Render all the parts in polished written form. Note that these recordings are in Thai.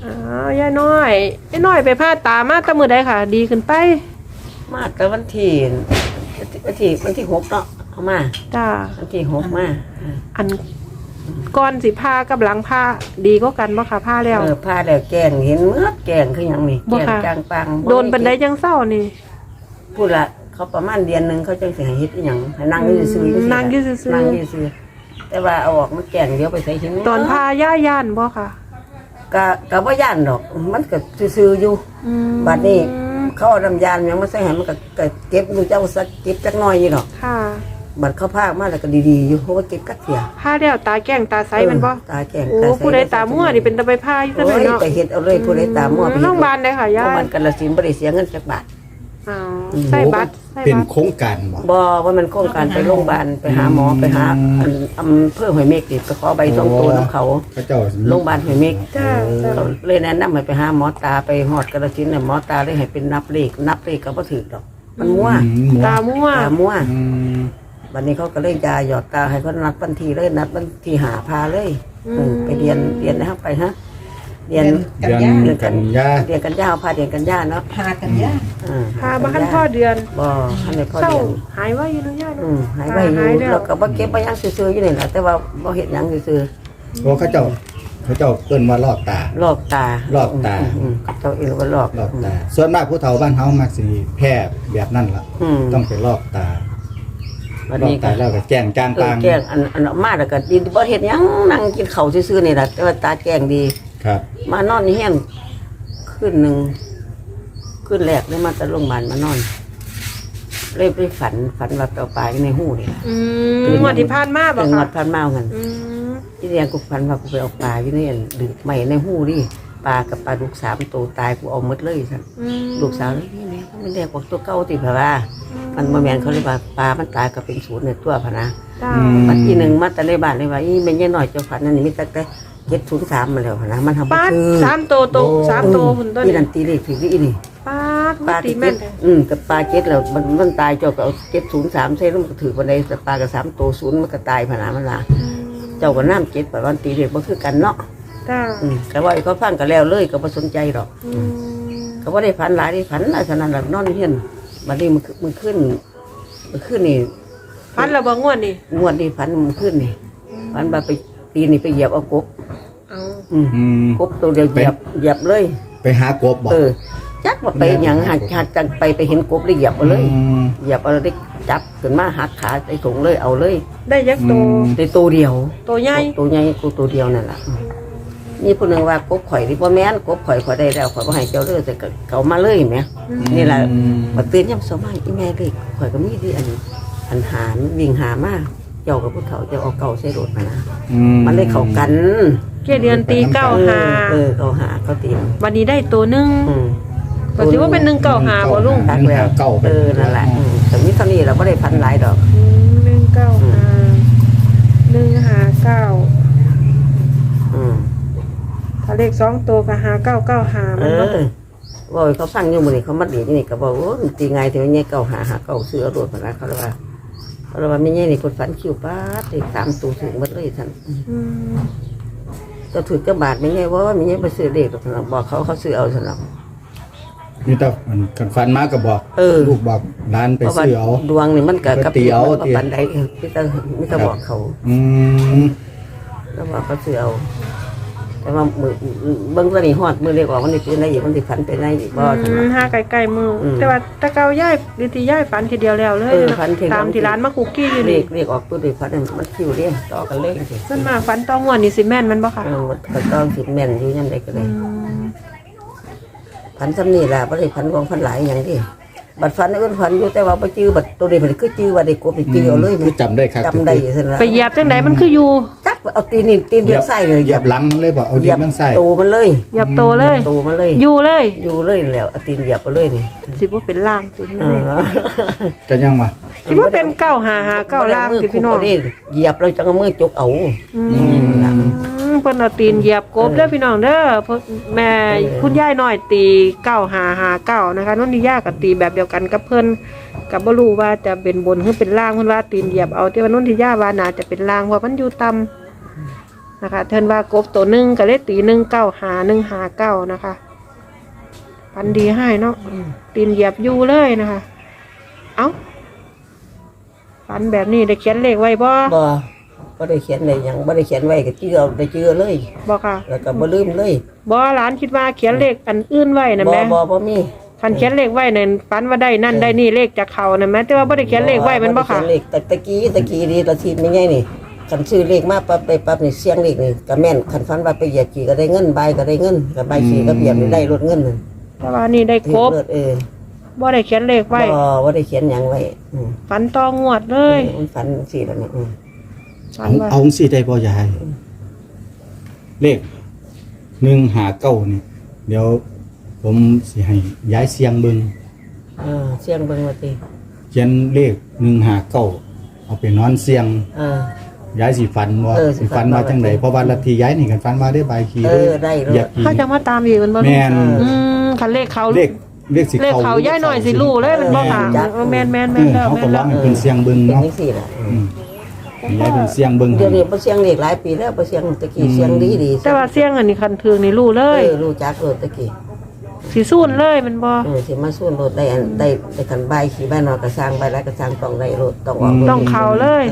ยายน้อยไปผ่าตามาแต่มื้อใดค่ะ ดีขึ้นไปมาแต่วันที่6เนาะเอามาจ้าวันที่6มาอันก่อนสิผ่ากับหลังผ่าดีกว่ากันบ่ค่ะผ่าแล้วผ่าแล้วแกงเห็นเมื่อแกงคือหยังนี่แกงจางปังโดนปานใดจังเศร้านี่พูดละเขาประมาณเดือนนึงเขาจังสิให้เฮ็ดอีหยังให้นั่งอยู่ซื่อๆนั่งอยู่ซื่อแต่ว่าเอาออกมันแกงเดี๋ยวไปใส่หินตอนผ่าย่านบ่ค่ะก็บ่ย่านดอกมันก็ซื่อๆอยู่บัดนี้เขาเอาน้ำยาหยังมาใส่ให้มันก็เก็บอยู่เจ้าสักเก็บจักหน่อยอยู่ดอกค่ะบัดเขาพากมาแล้วก็ดีๆอยู่เพราะว่าเก็บกักเสียผ่าแล้วตาแก้งตาใสมันบ่ตาแก้งโอ้ผู้ใดตามั่วนี่เป็นตาไปผ่าอยู่ซั่นเนาะไปเฮ็ดเอาเลยผู้ใดตามั่วไปโรงพยาบาลได้ค่ะยายมันกาฬสินธุ์บ่ได้เสียเงินจักบาทใส่บัตรเป็นโครงการบ่ว่ามันโครงการไปโรงพยาบาลไปหาหมอไปหาอำเภอห้วยเมฆไปขอใบส่งตัวของเขาโรงพยาบาลห้วยเมฆเลยแนะนำให้ไปหาหมอตาไปฮอดกาฬสินธุ์น่ะหมอตาเลยให้เป็นนับเลขก็บ่ถูกดอกมันมั่วตามั่ววันนี้เขาก็เลยยาหยอดตาให้เขานัดวันที่เลยนัดวันที่หาพาเลยไปเรียนนะครับไปฮะเรียนกันยาพาเรียนกันยาเนาะพาบ้านพ่อเดือนบ่ท่านในพ่อเดือนหายไว้อยู่เนาะย่าเนาะหายไว้อยู่แล้วก็บ่เก็บบ่ยังซื่อๆอยู่นี่แหละแต่ว่าบ่เฮ็ดหยังซื่อๆโอ้เขาเจ้าเอิ้นว่าลอกตาเขาเจ้าเอิ้นว่าลอกตาส่วนมากผู้เฒ่าบ้านเฮามักสิแพ้แบบนั้นล่ะต้องไปลอกตาวันนี้ก็แล้วก็แจ้งจางปางแจ้งอันมาแล้วก็ดีบ่เฮ็ดหยังนั่งกินข้าวซื่อๆนี่ล่ะแต่ว่าตาแจ้งดีครับมานอนนี่แห้งขึ้นแรกเลยมาแต่โรงพยาบาลมานอนเลยไปฝันว่าเอาปลาอยู่ในหูนี่ล่ะงวดที่ผ่านมาบ่ค่ะงวดผ่านมาเหมือนที่เรียนกูฝันว่ากูไปเอาปลาอยู่ในดึกใหม่ในหูดิปลากับปลาลูก3ตัวตายกูเอาหมดเลยซั่นลูกสาวนี่แม่มันแดกกว่าตัวเก่าติเพราะว่ามันบ่แม่นเขาเรียกว่าปลามันตายก็เป็นศูนย์ในตัวพะนะปัจจุบันมาแต่ในบ้านเลยว่าอีแม่ยายน้อยเจ้าฝันนั่นนี่มีแต่703มาแล้วพะนะมันทำบ่คือ3ตัวพุ่นต้นนี่นั่นตีเลขถึงอีนี่ปลาตีแม่นกับปลา7แล้วมันตายเจ้าก็เอา703ใส่ลงก็ถือบันไดแต่ปลากับ3ตัว0มันก็ตายพะนะมันล่ะเจ้าก็น้ำ7ไปวันตีเลขบ่คือกันเนาะแต่ว่าเขาฟังก็แล้วเลยก็บ่สนใจหรอกก็บ่ได้ฝันหลายได้ฝันฉะนั้นล่ะนอนเฮียนบัดนี้มันขึ้นนี่ฝันแล้วบ่งวดนี่ฝันมันขึ้นนี่ฝันว่าไปปีนี่ไปเหยียบเอากบกบตัวเดียวเหยียบเลยไปหากบบ่จักว่าไปหยังหักจังไปเห็นกบเลยเหยียบเอาเลยเหยียบเอาได้จับขึ้นมาหักขาใส่ถุงเลยเอาเลยได้ยักษ์ตัวเดียวตัวใหญ่กูตัวเดียวนั่นแหละนี่ผู้หนึ่งว่ากบข่อยที่พ่อแม่นกบข่อยได้แล้วข่อยก็ให้เจ้าเลือดแต่เขามาเลยไหมนี่แหละมาตื่นย่ำสมัยอีแม่เด็กข่อยก็มีที่อันหาวิ่งหามากเจ้ากับผู้เฒ่าจะเอาเก่าใส่รถมานะมันเลยเข้ากันเกี่ยเดือนตี95 เขาตีวันนี้ได้ตัวนึงก็ถือว่าเป็น195บ่ลุงตักแล้วนั่นแหละแต่นี่เท่านี้เราไม่ได้พันหลายดอก 195ถ้าเลข2ตัวก็5995มันบ่ว่าเขาฟังอยู่มื้อนี้เขามาดีนี่ก็บอกโอ้ตีไงถึงเนี่ย955ซื้อเอารถมาแล้วเขาเลยว่าไม่ใช่นี่คนฝันคิวป้าติด3ตัวถึงหมดเลยท่านก็ถือกระบาดไม่ใช่ว่าไม่ใช่ไปซื้อเด็กท่านบอกเขาซื้อเอาท่านนี่แต่กันฟันมาก็บอกลูกบอกร้านไปซื้อเอาดวงนี่มันกับปันใดไม่ต้องบอกเขาแล้วบอกเขาซื้อเอาแต่ว่ามือเบิ้งตัวนี้ฮอดมือเล็กออกมันนี่เป็นอะไรอยู่มันติดฝันเป็นอะไรอีกบ่ห้าไกลๆมือแต่ว่าตะเกาย่ายดิที่ย่ายฝันทีเดียวแล้วเลยตามที่ร้านมาคุกกี้อยู่นี่เรียกออกตัวเด็กฝันมันคิวเรียกต่อกันเลยขึ้นมาฝันต้องงวดนี่สิแม่นมันบ่ค่ะก็ต้องสิแม่นอยู่ยังไงก็เลยฝันซ้ำนี่แหละบ่ได้ฝันของฝันหลายอย่างที่บัดฝันอื่นฝันอยู่แต่ว่าไปจื้อบัดตัวเด็กมันคือจื้อว่าเด็กกบไปจื้อเอาเลยจำได้ครับจำได้สินะไปเหยียบจังไหนมันคืออยู่จักเอาตีนเดียวใส่เลยเหยียบหลังเลยบอกเอาตีนมันใส่โตมันเลยเหยียบโตเลยอยู่เลยแล้วเอาตีนเหยียบไปเลยนี่สิว่าเป็นล่างสิจะยังมาสิว่าเป็น955 9ล่างสิพี่น้องเหยียบเราจังมือจกเอาเพิ่นเอาตีนเหยียบกบเด้อพี่น้องเด้อแม่คุณยายน้อยตี9559นะคะนุ่นนี่ย่าก็ตีแบบเดียวกันกับเพิ่นก็บ่รู้ว่าจะเป็นบนหรือเป็นล่างเพิ่นว่าตีนเหยียบเอาแต่ว่านุ่นที่ย่าว่าน่าจะเป็นล่างเพราะมันอยู่ต่ำนะคะเทินว่ากบตัวหนึงก็เลยตี195 นะคะฝันดีให้เนาะตีนเหยียบอยู่เลยนะคะเอ้าฝันแบบนี้ได้เขียนเลขไว้บ่บ่ได้เขียนได้หยังบ่ได้เขียนไว้ก็เจือได้เจือเลยบ่ค่ะแล้วก็บ่ลืมเลยบ่หลานคิดว่าเขียนเลขอันอื่นไว้นะแม่บ่มีคันเขียนเลขไว้นั่นฝันว่าได้นั่นได้นี่เลขจากเขานะแม่แต่ว่าบ่ได้เขียนเลขไว้มันบ่ค่ะเขียนเลขตะกี้ดีตะทีไม่ใช่นี่คันซื้อเลขมาปั๊บได้ปั๊บนี่เสียงเลขนี่ก็แม่นคันฝันว่าไปเหยียบขี่ก็ได้เงินใบก็ได้เงินก็ใบขี่ก็เบียบนี่ได้รถเงินนั่นแต่ว่านี่ได้ครบ บ่ได้เขียนเลขไว้บ่ได้เขียนหยังไว้ฝันต่องวดเลยมันฝันสิแล้วนี่ฝันว่าเอาสิได้บ่ยายเลข159นี่เดี๋ยวผมสิให้ย้ายเสียงเบิ่งเสียงเบิ่งว่าติเขียนเลข159เอาไปนอนเสียงย้ายสิฝันบ่สิฝันว่าจังไดเพราะว่าลัทธิย้ายนี่กันฝันว่าได้ใบขี่ได้เหยียบขี่เขาจะมาตามอีกมันบ่แม่นคันเลขเขาเลขสิเลขเขาย้ายหน่อยสิรู้เลยมันบ่ค่ะแม่นแล้วเขาก็ร้องให้เพิ่นเสียงเบิ่งเป็นเนาะจังซี่ล่ะย้ายเพิ่นเสียงเบิ่งเดี๋ยวนี้บ่เสียงเลขหลายปีแล้วบ่เสียงตะกี้เสียงดีแต่ว่าเสียงอันนี้คันถึงนี่รู้เลยรู้จักรถตะกี้สิสู้เลยมันบ่สิมาสู้รถได้คันใบขี่บ้านนอกก็สร้างใบแล้วก็สร้างต้องได้รถต้องออกต้องเข้าเลย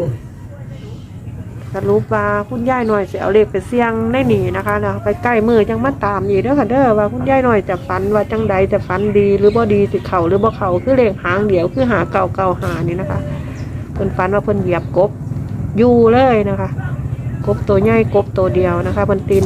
สรุปว่าคุณยายหน่อยสิเอาเลขไปเสี่ยงได้หนีนะคะเนาะไปใกล้มือจังมาตามอีกเด้อค่ะเด้อว่าคุณยายหน่อยจะฝันว่าจังใดจะฝันดีหรือบ่ดีสิเข้าหรือบ่เข้าคือเลขหางเดียวคือหา995นี่นะคะเพิ่นฝันว่าเพิ่นเหยียบกบอยู่เลยนะคะกบตัวใหญ่กบตัวเดียวนะคะเพิ่นตี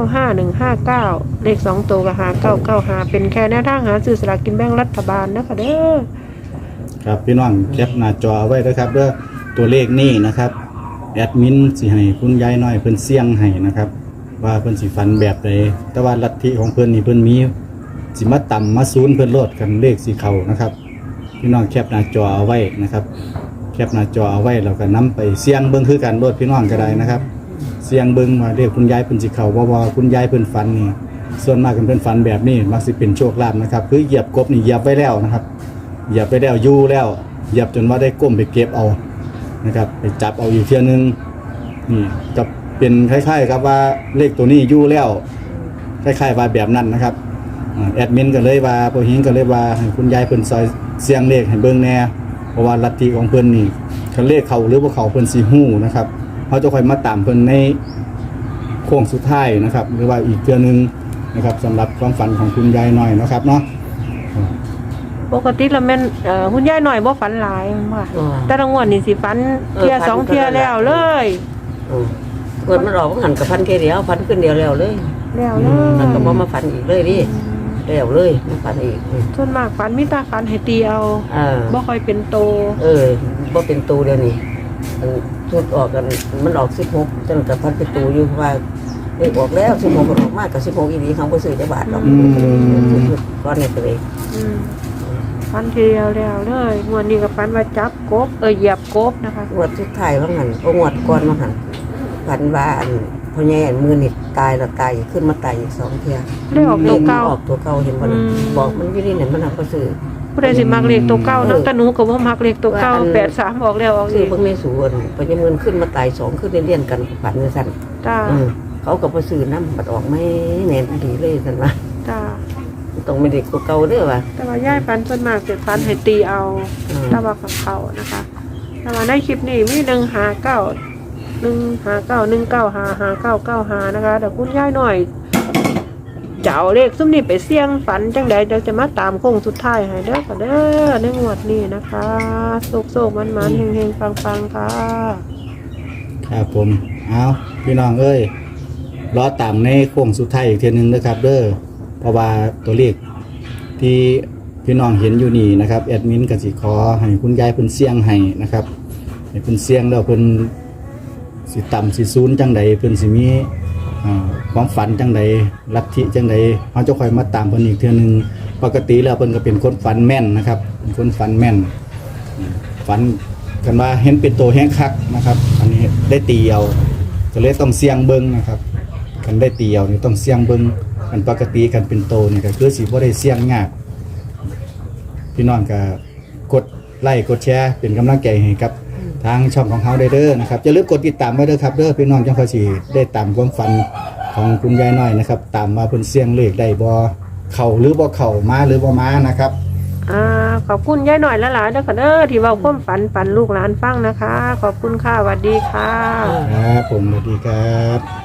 195159เลข2ตัวก็หา995เป็นแค่แนวทางหาซื้อสลากกินแบ่งรัฐบาลนะคะเด้อครับพี่น้องแคปหน้าจอไว้นะครับเด้อตัวเลขนี่นะครับแอดมินสิให้คุณยายน้อยเพิ่นเสี่ยงให้นะครับว่าเพิ่นสิฝันแบบใดแต่ว่าลัทธิของเพิ่นนี่เพิ่นมีสิมาต่ำมาศูนย์เพิ่นโลดกันเลขสิเข้านะครับพี่น้องแคปหน้าจอเอาไว้นะครับแคปหน้าจอเอาไว้แล้วก็นำไปเสี่ยงเบิ่งคือกันโลดพี่น้องก็ได้นะครับเสี่ยงเบิ่งว่าเลขคุณยายเพิ่นสิเข้าบ่ว่าคุณยายเพิ่นฝันนี่ส่วนมากเพิ่นฝันแบบนี้มักสิเป็นโชคลาภนะครับคือเหยียบกบนี่เหยียบไว้แล้วนะครับเหยียบไปแล้วอยู่แล้วเหยียบจนว่าได้ก้มไปเก็บเอานะครับไปจับเอาอีกเที่ยนึงนี่จะเป็นคล้ายๆครับว่าเลขตัวนี้อยู่แล้วคล้ายๆว่าแบบนั้นนะครับแอดมินก็เลยว่าพอหิงก็เลยว่าให้คุณยายเพิ่นซอยเสียงเลขให้เบิ่งแน่เพราะว่าลัทธิของเพิ่นนี่คันเลขเข้าหรือบ่เข้าเพิ่นสิฮู้นะครับเฮาจะค่อยมาตามเพิ่นในโค้งสุดท้ายนะครับหรือว่าอีกเที่ยนึงนะครับสำหรับความฝันของคุณยายน้อยนะครับเนาะปกติแล้วแม่นคุณยายหน่อยบ่ฝันหลายมันว่าแต่ละงวดนี่สิฝันเที่ยสองเที่ยแล้วเลยเกิดมันออกหันกับพันแค่เดียวพันขึ้นเดียวแล้วเลยแล้วเลแล้วก็ยบ่มาฝันอีกเลยดิแล้วเลยมาฝันอีกส่วนมากฝันมีตาฝันให้ตีเอาบ่ค่อยเป็นโตบ่เป็นตูเดียวนี้ชุดออกกันมันออก16จังกับพันเป็นตูอยู่ว่าเลขออกแล้ว16ก็ออกมากกับ16อีหลีเขาบ่ซื้อจักบาทหรอกก้อนนี้ไปเลยฝันทีเดียวแล้วเลยงวดนี้ก็ฝันว่าจับกบเหยียบกบนะคะงวดสุดท้ายว่างั้นงวดก่อนว่างั้นฝันว่าพ่อใหญ่มือนี่ตายแล้วตายขึ้นมาตายอีก2เที่ยเลขออกตัวเก่าออกตัวเก่าเห็นบ่บอกมันอยู่นี่เนี่ยมันก็ซื้อผู้ใดสิมักเลขตัวเก่าเนาะแต่หนูก็บ่มักเลขตัวเก่า83ออกแล้วออกซื้อีอก เบิ่งในสวนพ่อใหญ่มือขึ้นมาตาย2ขึ้นเรียนกันฝันซั่นจ้าเขาก็บ่ซื้อน้ำบัดออกไม่แน่นดีเลยซั่นว่าจ้าต้องไม่ได้ตัวเก่าเด้อว่ะแต่ว่ายายฝันส่วนมากจะฝันให้ตีเอาแต่ว่ากับเขานะคะแต่ว่าในคลิปนี้มี159นะคะแต่คุณยายหน่อยจะเอาเลขซุ่มนี้ไปเสี่ยงฝันจังใดเดี๋ยวจะมาตามโค้งสุดท้ายให้เด้อค่ะเด้อในงวดนี้นะคะโศกๆมันๆเฮงๆปังๆค่ะครับผมเอาพี่น้องเอ้ยรอตามในโค้งสุดท้ายอีกเทีนึงนะครับเด้อเพราะว่าตัวเลขที่พี่น้องเห็นอยู่นี่นะครับแอดมินก็สิขอให้คุณยายเพิ่นเสี่ยงให้นะครับให้เพิ่นเสี่ยงแล้วเพิ่นสิต่ำสิศูนย์จังใดเพิ่นสิมีความฝันจังใดลัทธิจังใดเฮาจะค่อยมาตามเพิ่นอีกเทื่อนึงปกติแล้วเพิ่นก็เป็นคนฝันแม่นนะครับเป็นคนฝันแม่นฝันกันว่าเห็นเป็นตัวแห้งคักนะครับอันนี้ได้ตีเอาก็เลยต้องเสี่ยงเบิ่งนะครับกันได้ตีเอานี่ต้องเสี่ยงเบิ่งกันปกติกันเป็นโตนี่ก็คือสิบ่ได้เสี่ยงยากพี่น้องก็กดไลค์กดแชร์เป็นกำลังใจให้กับททางช่องของเฮาได้เด้อนะครับอย่าลืมกดติดตามไว้เด้อครับเด้อพี่น้องจังค่อยสิได้ตามความฝันของคุณยายน้อยนะครับตามมาเพิ่นเสี่ยงเลขได้บ่เข้าหรือบ่เข้ามาหรือบ่มานะครับขอบคุณยายหน่อยและหลานเด้อค่ะเด้อที่เว้าความฝันปันลูกหลานฟังนะคะ ขอบคุณค่ะสวัสดีค่ะครับผมสวัสดีครับ